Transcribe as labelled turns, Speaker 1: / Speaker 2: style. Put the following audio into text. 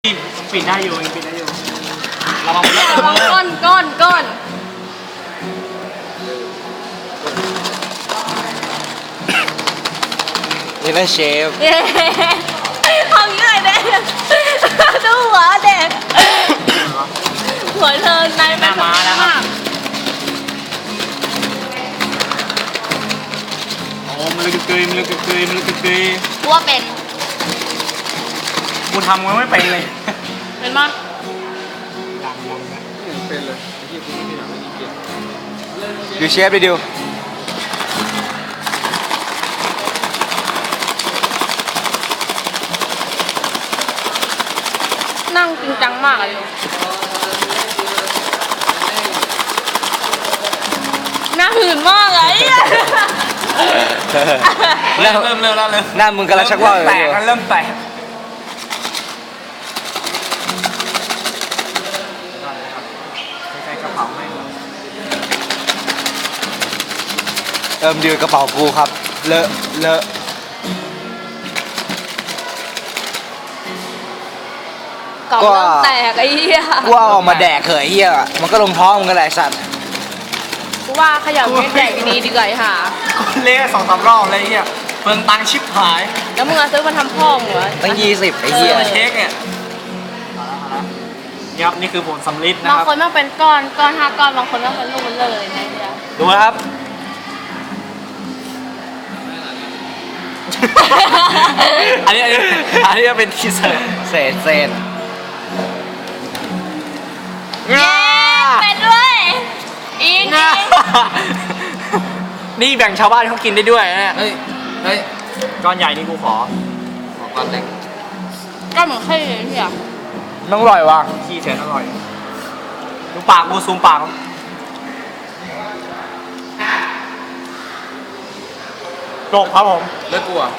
Speaker 1: ปิดได้อยู่ปิดได้อยู่ระวัง
Speaker 2: ก้อน
Speaker 3: นี่นะเชฟ
Speaker 2: เย้ทำยังไงเด็กดูหัวเด็กหัวเธอนายเป็นม้าแล้วครับ
Speaker 1: โอ้มันเลยเกย
Speaker 2: กูว่าเป็น
Speaker 1: กูทำมันไม่เป็นเลย
Speaker 2: เป็นมั้ย
Speaker 1: เป็นเลย
Speaker 3: ดูเชฟดิดิว
Speaker 2: นั่งจริงจังมากเลยน่าหื่นมากเลย
Speaker 1: เริ่มแล้วเลย
Speaker 3: หน้ามึงกำลังชักว่าวอยู่
Speaker 1: แตกเริ่มแตกใช้กระเป๋าให้
Speaker 3: ดิวกระเป๋ากูครับเลอะ
Speaker 2: กล่องเริ่มแตกไอ้เหี้ย
Speaker 3: กูเอาออกมาแดกเขยเหี้ยมันก็ลงท้องมึงกันแหละสัตว์
Speaker 2: กูว่าขยับไม่แดกนี้ดีกว่าค่ะ
Speaker 1: คนเละ2-3 รอบอะไรเงี้ยเปลืองตังค์ชิบหาย
Speaker 2: แล้วมึงเอาซื้อมาทำพ่อมึงเหรอ
Speaker 3: ตั้ง20ไอ้เหี้ย
Speaker 1: เช็คเนี่ยยับนี่คือผลสำลิดนะ
Speaker 2: บาง
Speaker 1: ครับ
Speaker 2: คนมันเป็นก้อน5 ก้อนบางคนมันเป็นลูกมันเลยนะเหี้ย
Speaker 1: ดูนะครับ อันนี้จะเป็นทีเซอร์
Speaker 3: เศษ
Speaker 2: เย้เป็นด้วยอิง
Speaker 1: นี่แบ่งชาวบ้านเขากินได้ด้วยนะเนี่ย
Speaker 3: เฮ้ย
Speaker 1: ก้อนใหญ่นี่กูขอ
Speaker 3: ก้อนเล็ก
Speaker 2: ก็เหมือนไข่เลยเหี้ย
Speaker 3: มันอร่อยว่ะ
Speaker 1: ขี้เฉยอร่อยดูปากกูซูมปากจบครับผม
Speaker 3: แล้วกูอ่ะ